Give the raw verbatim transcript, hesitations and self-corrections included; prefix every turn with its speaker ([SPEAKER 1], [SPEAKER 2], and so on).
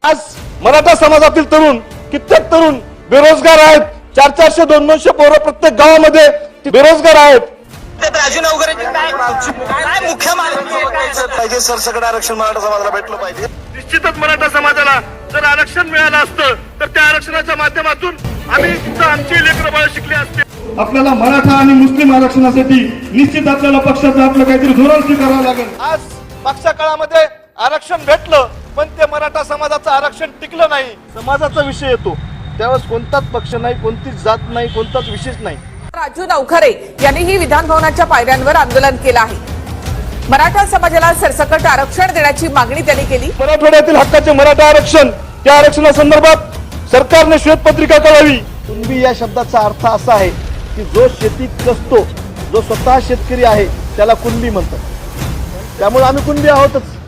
[SPEAKER 1] आज मराठा समाजातील तरुण कित्येक तरुण बेरोजगार आहेत. चार चारशे दोन दोनशे पोरं प्रत्येक गावामध्ये ते बेरोजगार आहेत.
[SPEAKER 2] राजू नवघरे काय मुख्य पाहिजे सरसकट आरक्षण मराठा समाजाला भेटलं पाहिजे.
[SPEAKER 1] निश्चितच मराठा समाजाला जर आरक्षण मिळालं असतं तर त्या आरक्षणाच्या माध्यमातून आम्ही तिथं आमची लेकरं बाळ शिकले असते.
[SPEAKER 3] आपल्याला मराठा आणि मुस्लिम आरक्षणासाठी निश्चित आपल्याला पक्षाचं आपलं काहीतरी धोरण स्वीकारावं लागेल.
[SPEAKER 1] आज मागच्या काळामध्ये आरक्षण भेटलं पण ते मराठा समाजाचं आरक्षण टिकलं नाही. समाजाचा विषय येतो त्यावेळेस कोणताच पक्ष नाही, कोणतीच जात नाही, कोणताच विशेष नाही.
[SPEAKER 4] राजू नवघरे यांनीही विधान भवनाच्या पायऱ्यांवर आंदोलन केलं आहे. मराठा समाजाला सरसकट आरक्षण देण्याची मागणी त्यांनी केली.
[SPEAKER 1] मराठवाड्यातील हक्काचे मराठा आरक्षण त्या आरक्षणासंदर्भात सरकारने श्वेतपत्रिका कळावी. कुणबी या शब्दाचा अर्थ असा आहे की जो शेती कसतो, जो स्वतः शेतकरी आहे त्याला कुणबी म्हणतात. त्यामुळे आम्ही कुणबी आहोतच.